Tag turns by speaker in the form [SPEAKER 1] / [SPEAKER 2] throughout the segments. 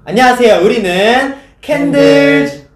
[SPEAKER 1] 안녕하세요. 우리는 캔들.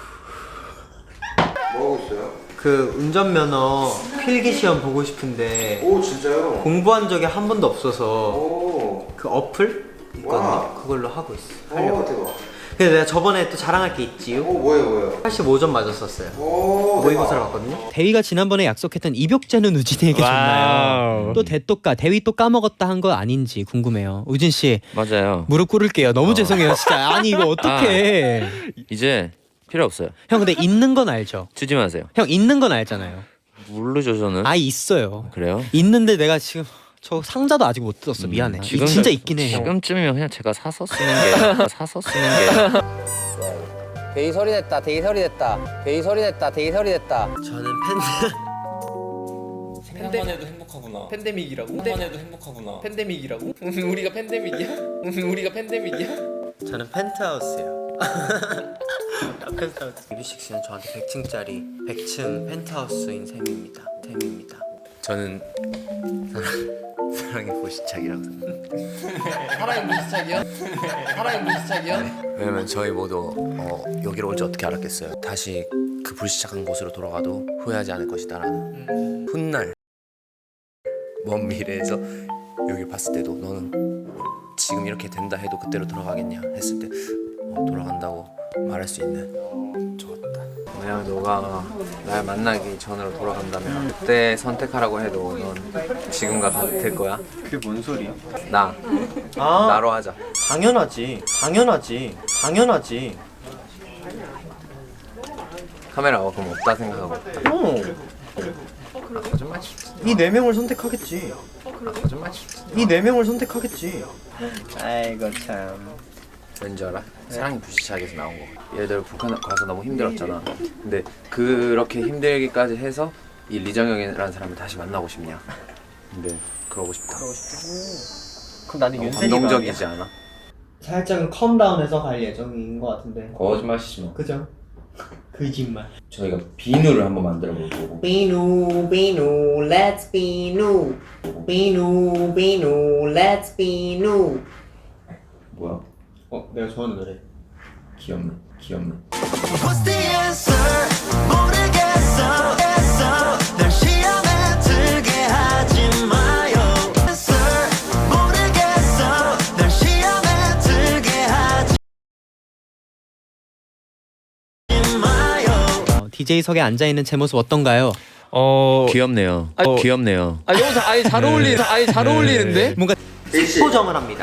[SPEAKER 2] 뭐 하고 있어요?
[SPEAKER 1] 그 운전면허 필기 시험 보고 싶은데
[SPEAKER 2] 오 진짜요?
[SPEAKER 1] 공부한 적이 한 번도 없어서
[SPEAKER 2] 오.
[SPEAKER 1] 그 어플 있거든요. 그걸로 하고 있어.
[SPEAKER 2] 오 대박.
[SPEAKER 1] 근데 내가 저번에 또 자랑할 게 있지요.
[SPEAKER 2] 오 뭐예요?
[SPEAKER 1] 85점 맞았었어요.
[SPEAKER 2] 오
[SPEAKER 1] 모의고사를 봤거든요. 대위가 지난번에 약속했던 입욕제는 우진이에게 줬나요? 또 대또까 대위 또 까먹었다 한 거 아닌지 궁금해요. 우진 씨
[SPEAKER 3] 맞아요.
[SPEAKER 1] 무릎 꿇을게요. 너무 죄송해요 진짜. 아니 이거 어떡해.
[SPEAKER 3] 이제 필요 없어요.
[SPEAKER 1] 형 근데 있는 건 알죠?
[SPEAKER 3] 주지 마세요.
[SPEAKER 1] 형 있는 건 알잖아요.
[SPEAKER 3] 모르죠 저는.
[SPEAKER 1] 아 있어요.
[SPEAKER 3] 그래요?
[SPEAKER 1] 있는데 내가 지금 저 상자도 아직 못 뜯었어. 미안해.
[SPEAKER 3] 지금-
[SPEAKER 1] 진짜 있긴 해.
[SPEAKER 3] 지금쯤이면 그냥 제가 사서 쓰는 게 사서 쓰는 게.
[SPEAKER 4] 데이 소리 냈다. 데이 소리 냈다. 데이 소리 냈다. 데이 소리 냈다.
[SPEAKER 1] 저는 팬
[SPEAKER 5] 생각만 해도 행복하구나.
[SPEAKER 6] 팬데믹이라고?
[SPEAKER 5] 생각만 해도 행복하구나.
[SPEAKER 6] 팬데믹이라고? 우리가 팬데믹이야? 우리가 팬데믹이야?
[SPEAKER 1] 저는 펜트하우스예요. 펜트하우스. 뮤직씨는 저한테 100층짜리 100층 펜트하우스인 셈입니다.
[SPEAKER 3] 저는 사랑의 보시착이라고 생각해요.
[SPEAKER 6] 사랑의 무시착이야? 사랑의 무시착이야?
[SPEAKER 3] 왜냐면 저희 모두 여기로 올 줄 어떻게 알았겠어요. 다시 그 불시착한 곳으로 돌아가도 후회하지 않을 것이다라는 훗날 먼 미래에서 여기를 봤을 때도 너는 지금 이렇게 된다 해도 그때로 돌아가겠냐 했을 때 돌아간다고 말할 수 있는. 좋았다. 만약 너가 날 만나기 전으로 돌아간다면 그때 선택하라고 해도 넌 지금과 같을 거야?
[SPEAKER 1] 그게 뭔 소리야?
[SPEAKER 3] 나
[SPEAKER 1] 아
[SPEAKER 3] 나로 하자.
[SPEAKER 1] 당연하지.
[SPEAKER 3] 카메라가 그럼 없다 생각하고 있다. 거짓말 치지.
[SPEAKER 1] 이 네 명을 선택하겠지.
[SPEAKER 3] 거짓말 치지.
[SPEAKER 1] 이 네 명을 선택하겠지. 아이고 참.
[SPEAKER 3] 왠지 알아? 사랑이 불시착에서 나온 거. 예를 들어 북한 가서 너무 힘들었잖아. 근데 그렇게 힘들기까지 해서 이 리정혁이라는 사람을 다시 만나고 싶냐? 근데 그러고 싶다.
[SPEAKER 1] 그럼 나는
[SPEAKER 3] 너무 감동적이지 않아?
[SPEAKER 1] 살짝은 컴다운해서 갈 예정인 것 같은데.
[SPEAKER 3] 거짓말 치지 마.
[SPEAKER 1] 그죠? 거짓말.
[SPEAKER 3] 저희가 비누를 한번 만들어 볼 거고.
[SPEAKER 1] 비누, let's 비누. 비누, let's 비누.
[SPEAKER 3] 뭐야?
[SPEAKER 1] 내가 좋아하는 노래.
[SPEAKER 3] 귀엽네.
[SPEAKER 7] What's the answer? 모르겠어. 날 시험에 들게 하지 마요. Answer? 모르겠어. 날 시험에 들게 하지 마요.
[SPEAKER 1] DJ석에 앉아있는 제 모습 어떤가요?
[SPEAKER 3] 귀엽네요. 귀엽네요.
[SPEAKER 6] 너무 잘 어울리는데?
[SPEAKER 1] 뭔가
[SPEAKER 2] 일시.
[SPEAKER 1] 색보정을 합니다.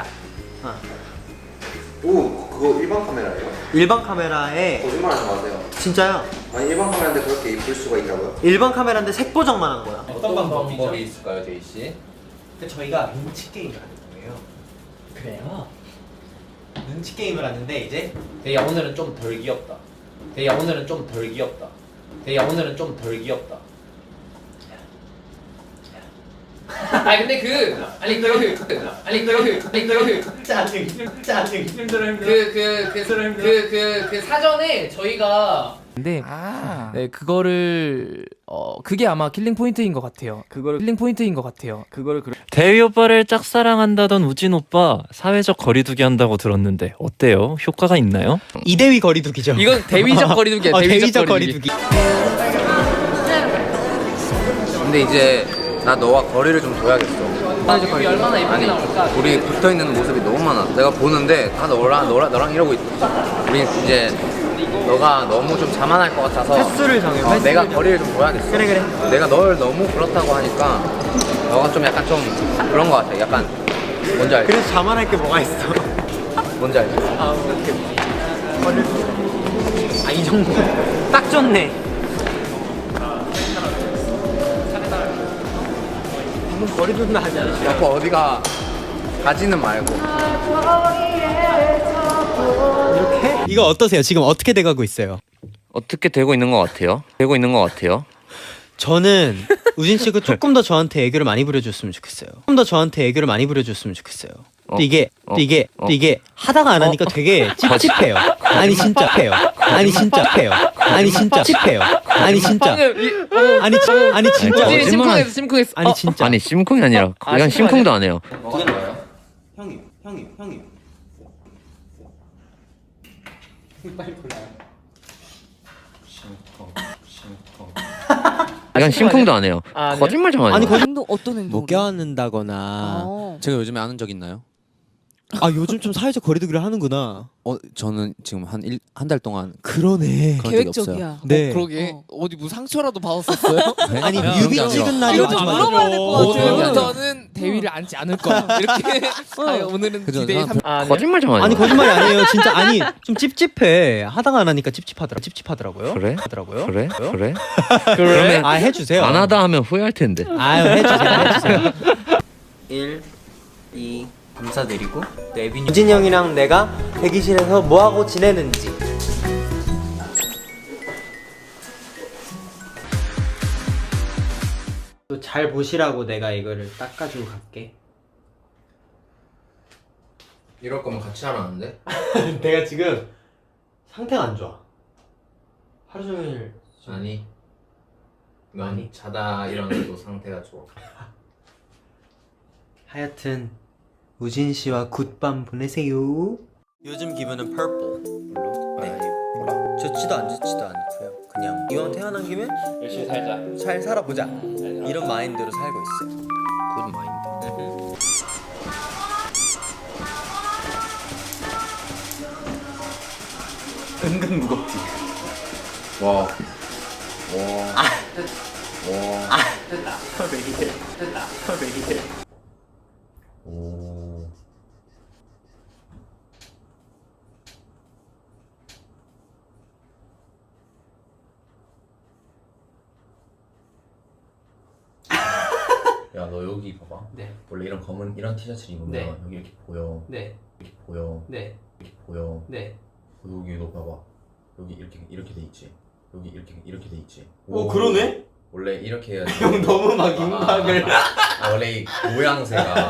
[SPEAKER 2] 오 그거 일반 카메라예요?
[SPEAKER 1] 일반 카메라에
[SPEAKER 2] 거짓말하지 마세요.
[SPEAKER 1] 진짜요?
[SPEAKER 2] 아니 일반 카메라인데 그렇게 이쁠 수가 있다고요?
[SPEAKER 1] 일반 카메라인데 색보정만 한 거야.
[SPEAKER 6] 어떤 방법이 있을까요, 데이 씨?
[SPEAKER 1] 저희가 눈치 게임을 하는 거예요. 그래요? 눈치 게임을 하는데 이제
[SPEAKER 6] 데이야 오늘은 좀 덜 귀엽다. 데이야 오늘은 좀 덜 귀엽다. 데이야 오늘은 좀 덜 귀엽다. 아니 근데 그 사전에 저희가
[SPEAKER 8] 근데 네, 그거를 그게 아마 킬링 포인트인 것 같아요.
[SPEAKER 9] 대위 오빠를 짝사랑한다던 우진 오빠 사회적 거리두기 한다고 들었는데 어때요? 효과가 있나요?
[SPEAKER 1] 이대위 거리두기죠.
[SPEAKER 6] 이건 대위적 거리두기야.
[SPEAKER 1] 대위적 거리두기.
[SPEAKER 3] 근데 이제 나 너와 거리를 좀 둬야겠어.
[SPEAKER 6] 우리 얼마나 예쁘게 나올까?
[SPEAKER 3] 우리 붙어 있는 모습이 너무 많아. 내가 보는데 다 너랑 이러고 있어. 우리 이제 너가 너무 좀 자만할 것 같아서
[SPEAKER 1] 횟수를 정해.
[SPEAKER 3] 내가 거리를 좀 둬야겠어.
[SPEAKER 1] 그래.
[SPEAKER 3] 내가 널 너무 그렇다고 하니까 너가 좀 약간 좀 그런 것 같아. 약간 뭔지 알지?
[SPEAKER 1] 그래서 자만할 게 뭐가 있어?
[SPEAKER 3] 뭔지 알지?
[SPEAKER 1] 이 정도. 딱 좋네. 방금 거리두기는 하지 않았어?
[SPEAKER 3] 자꾸 어디가 가지는 말고.
[SPEAKER 1] 이렇게? 이거 어떠세요? 지금 어떻게 돼가고 있어요?
[SPEAKER 3] 어떻게 되고 있는 것 같아요?
[SPEAKER 1] 저는 우진 씨가 조금 더 저한테 애교를 많이 부려줬으면 좋겠어요. 근데 이게 하다가 안 하니까 되게 찝찝해요. 아니 진짜 찝해요. 아니 진짜
[SPEAKER 6] 심쿵했어.
[SPEAKER 1] 아니 진짜.
[SPEAKER 3] 아니 심쿵이 아니라 그냥 심쿵도 안 해요.
[SPEAKER 1] 형이
[SPEAKER 3] 약간 심쿵도 안 해요. 거짓말 좀 하지
[SPEAKER 1] 아니
[SPEAKER 3] 마.
[SPEAKER 1] 거짓
[SPEAKER 10] 행동 어떤 행동?
[SPEAKER 11] 못 껴안는다거나.
[SPEAKER 12] 제가 요즘에 아는 적 있나요?
[SPEAKER 1] 아 요즘 좀 사회적 거리두기를 하는구나.
[SPEAKER 12] 저는 지금 한 달 동안
[SPEAKER 1] 그러네.
[SPEAKER 12] 그런 적이 없어요.
[SPEAKER 10] 계획적이야.
[SPEAKER 1] 네.
[SPEAKER 11] 그러게 어디 뭐 상처라도 받았었어요?
[SPEAKER 1] 아니
[SPEAKER 12] 그런
[SPEAKER 1] 뮤비
[SPEAKER 12] 게 아니라.
[SPEAKER 1] 찍은 날이
[SPEAKER 10] 이거 좀
[SPEAKER 1] 맞아.
[SPEAKER 10] 물어봐야 될 것 같아요.
[SPEAKER 11] 오늘부터는 대위를 앉지 않을 거야. 이렇게 오늘은
[SPEAKER 12] 그죠?
[SPEAKER 11] 기대의
[SPEAKER 12] 저는
[SPEAKER 3] 거짓말 좀 하지 마.
[SPEAKER 1] 아니 거짓말이 아니에요. 진짜 아니 좀 찝찝해. 하다가 안 하니까 찝찝하더라고요.
[SPEAKER 3] 그래?
[SPEAKER 1] 하더라고요.
[SPEAKER 3] 그래? 그래?
[SPEAKER 1] 그러면 아 해주세요.
[SPEAKER 3] 안 하다 하면 후회할 텐데.
[SPEAKER 1] 아유 해주세요. 1, 2 감사드리고 에빈이 유진이 형이랑 내가 대기실에서 뭐하고 지내는지 또 잘 보시라고 내가 이거를 닦아주고 갈게.
[SPEAKER 3] 이럴 거면 같이 하라는데?
[SPEAKER 1] 내가 지금 상태가 안 좋아. 하루 종일
[SPEAKER 3] 아니. 넌
[SPEAKER 1] 아니.
[SPEAKER 3] 자다 일어나도 상태가 좋아.
[SPEAKER 1] 하여튼 우진 씨와 굿밤 보내세요. 요즘 기분은 purple. 네. 좋지도 안 좋지도 않고요. 그냥 이왕 태어난 김에
[SPEAKER 5] 열심히 살자.
[SPEAKER 1] 잘 살아보자. 이런 마인드로 살고 있어요.
[SPEAKER 3] 굿 마인드.
[SPEAKER 1] 은근 무겁지.
[SPEAKER 3] 와. 와.
[SPEAKER 1] 왜 이래? 왜 이래?
[SPEAKER 3] 오. 야, 너 여기 봐봐.
[SPEAKER 1] 네.
[SPEAKER 3] 원래 이런 검은 이런 티셔츠를 입으면
[SPEAKER 1] 네.
[SPEAKER 3] 여기 이렇게 보여.
[SPEAKER 1] 네.
[SPEAKER 3] 이렇게 보여.
[SPEAKER 1] 네.
[SPEAKER 3] 이렇게 보여.
[SPEAKER 1] 네.
[SPEAKER 3] 여기 너 봐봐. 여기 이렇게 돼 있지. 여기 이렇게 돼 있지.
[SPEAKER 1] 그러네?
[SPEAKER 3] 원래 이렇게 해야지.
[SPEAKER 1] 형 너무 막 임박을.
[SPEAKER 3] 원래 이 모양새가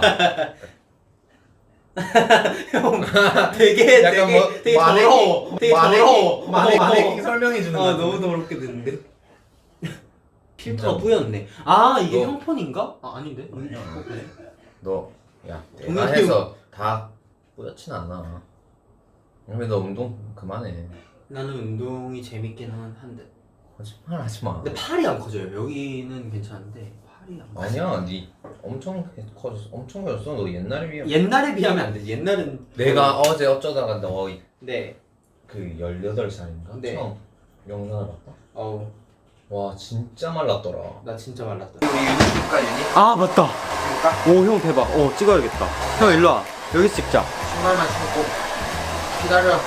[SPEAKER 1] 형 되게
[SPEAKER 3] 약간
[SPEAKER 1] 되게
[SPEAKER 3] 마네킹,
[SPEAKER 1] 더러워. 되게 더러워.
[SPEAKER 3] 마네킹 설명해 주는
[SPEAKER 1] 아
[SPEAKER 3] 거.
[SPEAKER 1] 너무 더럽게 됐는데. 필터가 뿌였네. 아 이게
[SPEAKER 3] 너-
[SPEAKER 1] 형폰인가? 아 아닌데.
[SPEAKER 3] 너, 야, 내가
[SPEAKER 1] 동현이
[SPEAKER 3] 해서 다 뿌옇진 않아. 근데 너 운동 그만해.
[SPEAKER 1] 나는 운동이 재밌긴 한데.
[SPEAKER 3] 거짓말 하지 마.
[SPEAKER 1] 근데 팔이 안 커져요. 여기는 괜찮은데 팔이 안 커져.
[SPEAKER 3] 아니야, 니 엄청 커졌어. 엄청 커졌어. 너 옛날에 비하면.
[SPEAKER 1] 옛날에 비하면 안 되지. 옛날은
[SPEAKER 3] 내가 어제 어쩌다가 너
[SPEAKER 1] 네.
[SPEAKER 3] 그 18살인가?
[SPEAKER 1] 네.
[SPEAKER 3] 처음 영상을 봤다?
[SPEAKER 1] 어우
[SPEAKER 3] 와, 진짜 말랐더라.
[SPEAKER 1] 나 진짜 말랐다.
[SPEAKER 3] 우리 유닛 줄까, 유닛?
[SPEAKER 1] 아 맞다. 오 형 대박. 찍어야겠다. 형 일로 와. 여기서 찍자.
[SPEAKER 3] 신발만 신고 기다려.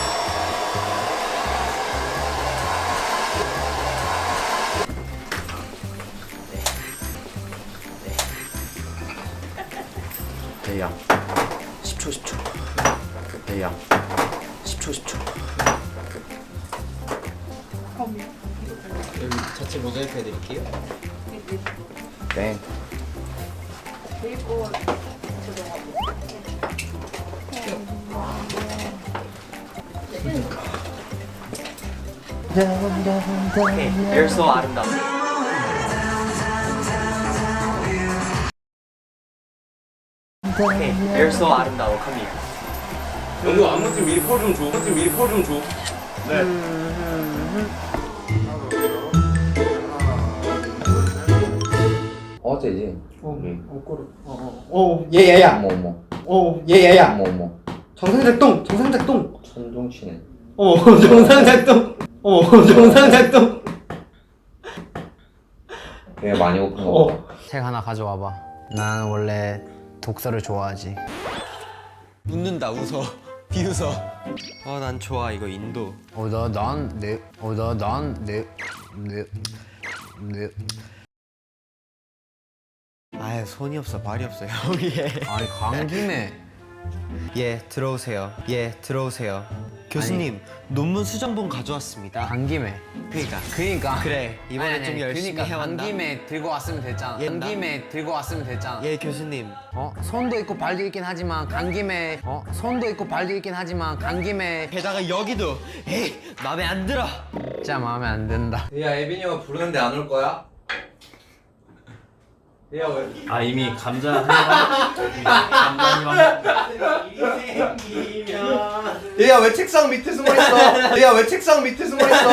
[SPEAKER 3] 대야 10초 대야 10초
[SPEAKER 1] 여기 자체 모자이크 해드릴게요.
[SPEAKER 3] 네.
[SPEAKER 1] You're so 아름다워. You're so 아름다워. Come here.
[SPEAKER 5] 영도 아무튼 미리 폴 좀 줘.
[SPEAKER 3] 어제지.
[SPEAKER 1] 예야야.
[SPEAKER 3] 어머
[SPEAKER 1] 예야야.
[SPEAKER 3] 어머
[SPEAKER 1] 정상작동.
[SPEAKER 3] 천둥치네.
[SPEAKER 1] 정상작동. 정상작동.
[SPEAKER 3] 내가 많이 고픈 거 같다.
[SPEAKER 4] 책 하나 가져와봐. 난 원래 독서를 좋아하지.
[SPEAKER 11] 웃는다 웃어 비웃어. 난 좋아 이거 인도. 아유 손이 없어 말이 없어 형이.
[SPEAKER 4] 아니 간 김에
[SPEAKER 11] 예 들어오세요. 교수님 논문 수정본 가져왔습니다.
[SPEAKER 4] 간 김에
[SPEAKER 11] 그러니까
[SPEAKER 4] 그래
[SPEAKER 11] 이번에 좀 열심히
[SPEAKER 4] 그러니까
[SPEAKER 11] 해왔나?
[SPEAKER 4] 간 김에 들고 왔으면 됐잖아.
[SPEAKER 11] 예,
[SPEAKER 4] 간 김에 들고 왔으면 됐잖아.
[SPEAKER 11] 예 교수님.
[SPEAKER 4] 손도 있고 발도 있긴 하지만 간 김에 손도 있고 발도 있긴 하지만 간 김에
[SPEAKER 11] 게다가 여기도 에이 맘에 안 들어.
[SPEAKER 4] 진짜 마음에 안 든다.
[SPEAKER 3] 야, 에빈이 형 부르는데 안 올 거야?
[SPEAKER 6] 아 이미 감자
[SPEAKER 1] 얘야 왜 책상 밑에 숨어 있어? 얘야 왜 책상 밑에 숨어 있어?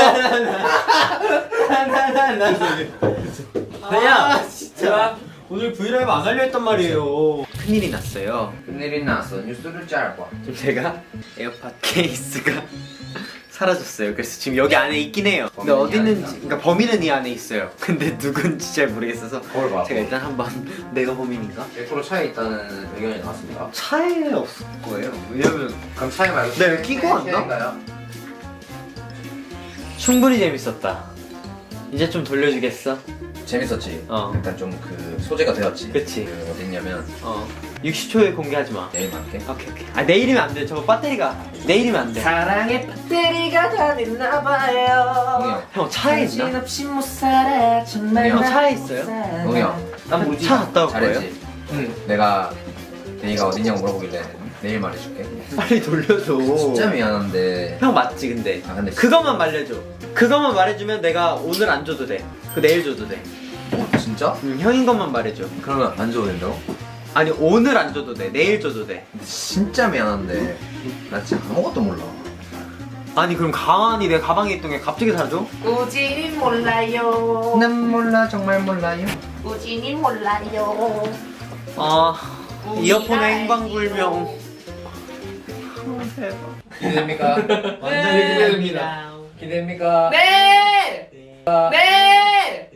[SPEAKER 1] 야 진짜 오늘 브이라이브 안 하려 했단 말이에요. 큰일이 났어요.
[SPEAKER 4] 큰일이 났어. 뉴스를 짧아.
[SPEAKER 1] 지금 제가 에어팟 케이스가 사라졌어요. 그래서 지금 여기 안에 있긴 해요. 근데 어디 있는지, 그러니까 범인은 이 안에 있어요. 근데 누군지 잘 모르겠어서
[SPEAKER 4] 그걸 봐.
[SPEAKER 1] 제가 일단 한번 내가 범인인가?
[SPEAKER 4] 100% 차에 있다는 의견이 나왔습니다.
[SPEAKER 1] 차에 없을 거예요. 왜냐면
[SPEAKER 4] 그럼 차에 말고
[SPEAKER 1] 나 이거 끼고 왔나? 충분히 재밌었다. 이제 좀 돌려주겠어?
[SPEAKER 4] 재밌었지.
[SPEAKER 1] 어.
[SPEAKER 4] 일단 좀 그 소재가 되었지.
[SPEAKER 1] 그치.
[SPEAKER 4] 그 어딨냐면
[SPEAKER 1] 60초에 공개하지 마.
[SPEAKER 4] 내일 말게.
[SPEAKER 1] 오케이 오케이. 아 내일이면 안 돼. 저거 배터리가 내일이면 안 돼.
[SPEAKER 6] 사랑의 배터리가 다 됐나봐요.
[SPEAKER 4] 동영.
[SPEAKER 1] 형 차에 있나?
[SPEAKER 6] 정신없이 못 살아 정말
[SPEAKER 1] 형 차에 있어요?
[SPEAKER 4] 동영.
[SPEAKER 1] 난 차 갔다 올 거예요.
[SPEAKER 4] 잘했지. 내가 데이가 어딨냐고 물어보길래 내일 말해줄게.
[SPEAKER 1] 빨리 돌려줘.
[SPEAKER 4] 진짜 미안한데.
[SPEAKER 1] 형 맞지 근데.
[SPEAKER 4] 아 근데
[SPEAKER 1] 그것만 말해줘. 그것만 말해주면 내가 오늘 안 줘도 돼. 그 내일 줘도 돼.
[SPEAKER 4] 진짜?
[SPEAKER 1] 형인 것만 말해줘.
[SPEAKER 4] 그러면 안 줘도 된다고?
[SPEAKER 1] 아니 오늘 안 줘도 돼. 내일 줘도 돼.
[SPEAKER 4] 진짜 미안한데 나 진짜 아무것도 몰라.
[SPEAKER 1] 아니 그럼 가만히 내 가방에 있던 게 갑자기 사라져?
[SPEAKER 11] 우진이 몰라요.
[SPEAKER 4] 난 몰라 정말 몰라요.
[SPEAKER 11] 우진이 몰라요.
[SPEAKER 1] 아 이어폰의 행방불명.
[SPEAKER 4] 기대됩니까?
[SPEAKER 6] 완전히 기대됩니다.
[SPEAKER 4] 기대됩니까?
[SPEAKER 11] 네. 네.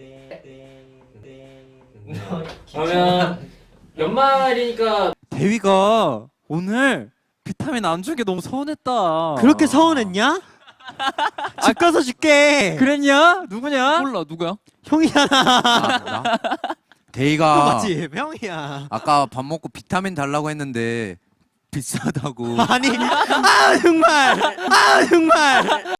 [SPEAKER 6] 그러면 연말이니까
[SPEAKER 9] 대위가 오늘 비타민 안 준 게 너무 서운했다.
[SPEAKER 1] 그렇게 서운했냐? 집 가서 줄게.
[SPEAKER 9] 그랬냐? 누구냐?
[SPEAKER 12] 몰라 누구야?
[SPEAKER 1] 형이잖아.
[SPEAKER 12] 데이가
[SPEAKER 1] 맞지? 형이야.
[SPEAKER 12] 아까 밥 먹고 비타민 달라고 했는데 비싸다고.
[SPEAKER 1] 아니 아 정말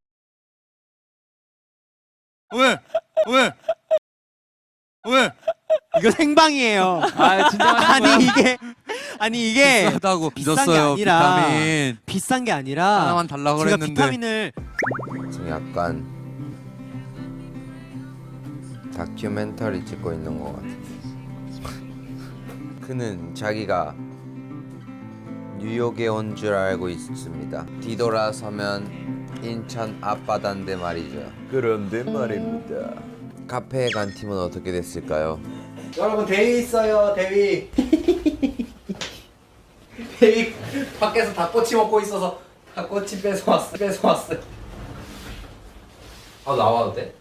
[SPEAKER 12] 왜?
[SPEAKER 1] 이거 생방이에요.
[SPEAKER 9] 아 진짜
[SPEAKER 1] 아니 이게
[SPEAKER 12] 비싸다고
[SPEAKER 1] 비싼 게
[SPEAKER 12] 빚었어요
[SPEAKER 1] 아니라
[SPEAKER 12] 비타민.
[SPEAKER 1] 비싼 게 아니라
[SPEAKER 12] 하나만 달라고
[SPEAKER 1] 제가
[SPEAKER 12] 그랬는데.
[SPEAKER 1] 비타민을
[SPEAKER 3] 약간 다큐멘터리 찍고 있는 것 같아. 그는 자기가 뉴욕에 온 줄 알고 있습니다. 뒤돌아서면 인천 앞바다인데 말이죠. 그런데 말입니다. 카페에 간 팀은 어떻게 됐을까요?
[SPEAKER 1] 여러분 대위 있어요. 대위. 대위
[SPEAKER 4] 밖에서 닭꼬치 먹고 있어서 닭꼬치 뺏어왔어. 아 나와도 돼?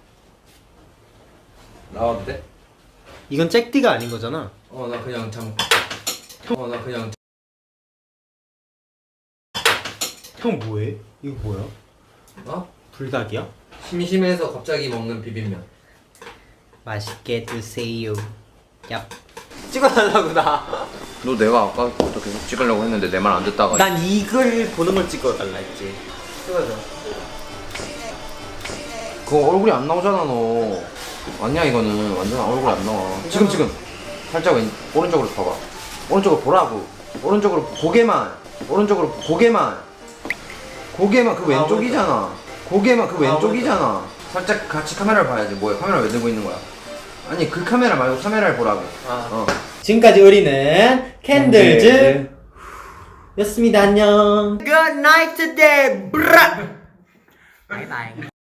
[SPEAKER 4] 나와도 돼?
[SPEAKER 1] 이건 잭디가 아닌 거잖아.
[SPEAKER 4] 나 그냥
[SPEAKER 1] 형 뭐해? 이거 뭐야?
[SPEAKER 4] 어?
[SPEAKER 1] 불닭이야?
[SPEAKER 4] 심심해서 갑자기 먹는 비빔면.
[SPEAKER 1] 맛있게 드세요. 얍. 찍어달라고 나.
[SPEAKER 4] 너 내가 아까부터 계속 찍으려고 했는데 내 말 안 듣다가.
[SPEAKER 1] 난 이걸 보는 걸 찍어달라 했지. 찍어줘.
[SPEAKER 4] 그거 얼굴이 안 나오잖아 너. 아니야 이거는 완전 얼굴 안 나와. 지금 살짝 오른쪽으로 봐봐. 오른쪽으로 보라고. 오른쪽으로 고개만. 오른쪽으로 고개만. 그 왼쪽이잖아. 고개만 그 왼쪽이잖아. 살짝 같이 카메라를 봐야지. 뭐야 카메라 왜 들고 있는 거야? 아니 그 카메라 말고 카메라를 보라고.
[SPEAKER 1] 지금까지 우리는 캔들즈 였습니다. 안녕. Good night today. 바이바이.